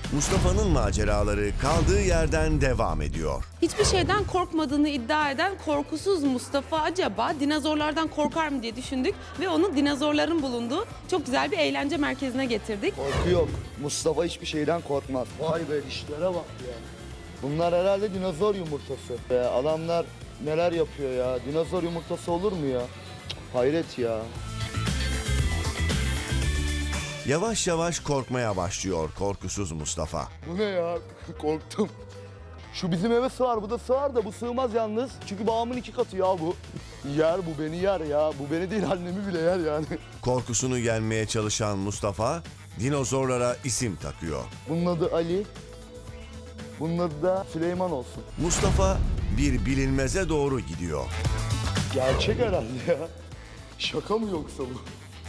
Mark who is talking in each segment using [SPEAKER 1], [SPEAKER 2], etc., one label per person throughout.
[SPEAKER 1] Mustafa'nın maceraları kaldığı yerden devam ediyor.
[SPEAKER 2] Hiçbir şeyden korkmadığını iddia eden korkusuz Mustafa acaba dinozorlardan korkar mı diye düşündük ve onu dinozorların bulunduğu çok güzel bir eğlence merkezine getirdik.
[SPEAKER 3] Korku yok. Mustafa hiçbir şeyden korkmaz. Vay be, dişlere bak ya. Bunlar herhalde dinozor yumurtası. Adamlar neler yapıyor ya. Dinozor yumurtası olur mu ya? Hayret ya.
[SPEAKER 1] Yavaş yavaş korkmaya başlıyor korkusuz Mustafa.
[SPEAKER 3] Bu ne ya? Korktum. Şu bizim eve sığar, bu da sığar da bu sığmaz yalnız. Çünkü babamın 2 katı ya bu. Yer, bu beni yer ya. Bu beni değil, annemi bile yer yani.
[SPEAKER 1] Korkusunu yenmeye çalışan Mustafa dinozorlara isim takıyor.
[SPEAKER 3] Bunun adı Ali. Bunun adı da Süleyman olsun.
[SPEAKER 1] Mustafa bir bilinmeze doğru gidiyor.
[SPEAKER 3] Gerçek herhalde ya. Şaka mı yoksa bu?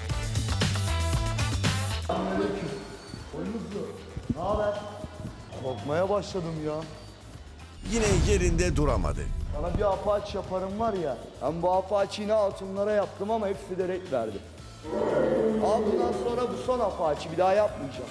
[SPEAKER 3] Ne haber? Korkmaya başladım ya.
[SPEAKER 1] Yine yerinde duramadı.
[SPEAKER 3] Sana bir apaç yaparım var ya. Ben bu apaçıyı ne altınlara yaptım ama hepsi de renk verdi. Al bundan sonra bu son apaçı, bir daha yapmayacağım.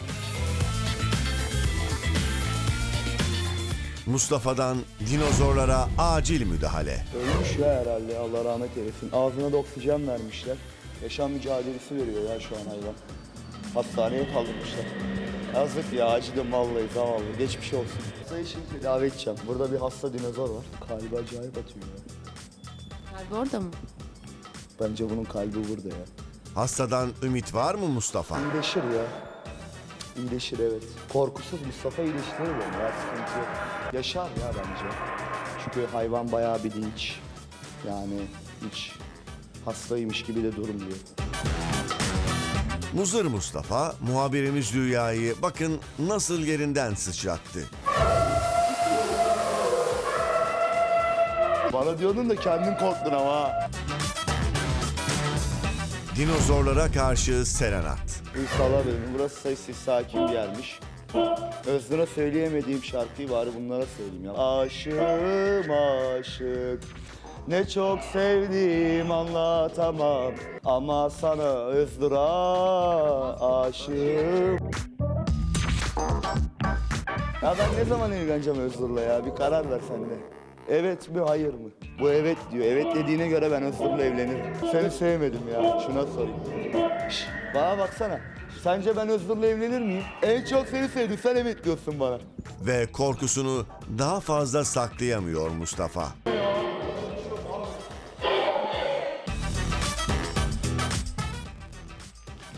[SPEAKER 1] Mustafa'dan dinozorlara acil müdahale.
[SPEAKER 3] Ölmüş ya herhalde, Allah rahmet eylesin. Ağzına da oksijen vermişler. Yaşam mücadelesi veriyor ya şu an hayvan. Hastaneye kaldırmışlar. Yazık ya, acıdım vallahi, zavallı. Geçmiş olsun. Hastayı şimdi tedavi edeceğim. Burada bir hasta dinozor var. Kalbi acayip atıyor ya.
[SPEAKER 2] Kalbi orada mı?
[SPEAKER 3] Bence bunun kalbi burada ya.
[SPEAKER 1] Hastadan ümit var mı Mustafa?
[SPEAKER 3] İyileşir ya. İyileşir, evet. Korkusuz Mustafa iyileştirir beni ya, sıkıntı yok. Yaşar ya bence. Çünkü hayvan bayağı bir dinç. Yani hiç hastaymış gibi de durmuyor.
[SPEAKER 1] Muzır Mustafa muhabirimiz Rüya'yı bakın nasıl yerinden sıçrattı.
[SPEAKER 3] Bana diyordun da kendin korktun ama ha.
[SPEAKER 1] Dinozorlara karşı serenat.
[SPEAKER 3] İnşallah dedim, burası sessiz sakin bir yermiş. Özgür'e söyleyemediğim şarkıyı bari bunlara söyleyeyim ya. Aşığım aşık, ne çok sevdiğim anlatamam. Ama sana Özgür'a aşığım. Ya ben ne zaman evleneceğim Özgür'le ya? Bir karar ver sen de. Evet mi hayır mı? Bu evet diyor. Evet dediğine göre ben Özgür'le evlenirim. Seni sevmedim ya. Şuna sorayım. Şş, bana baksana. Sence ben Özgür'le evlenir miyim? En çok seni sevdim. Sen evet diyorsun bana.
[SPEAKER 1] Ve korkusunu daha fazla saklayamıyor Mustafa.